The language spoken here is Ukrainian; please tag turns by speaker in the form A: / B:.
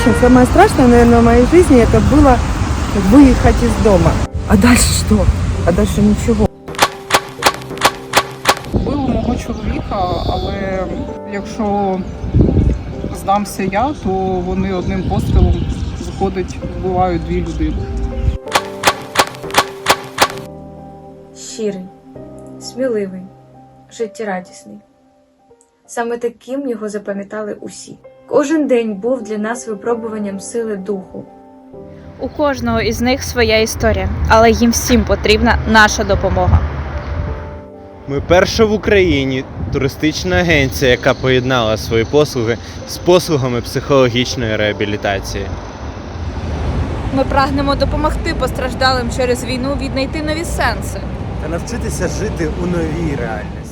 A: очень. Самое страшное, наверное, в моей жизни это было выехать из дома. А дальше что? А дальше ничего.
B: Вбили мого чоловіка, але якщо здамся я, то вони одним пострілом, виходить, вбивають 2 людини.
C: Щирий, сміливий, життєрадісний. Саме таким його запам'ятали усі. Кожен день був для нас випробуванням сили духу.
D: У кожного із них своя історія, але їм всім потрібна наша допомога.
E: Ми перша в Україні туристична агенція, яка поєднала свої послуги з послугами психологічної реабілітації.
D: Ми прагнемо допомогти постраждалим через війну віднайти нові сенси.
F: Та навчитися жити у новій реальності.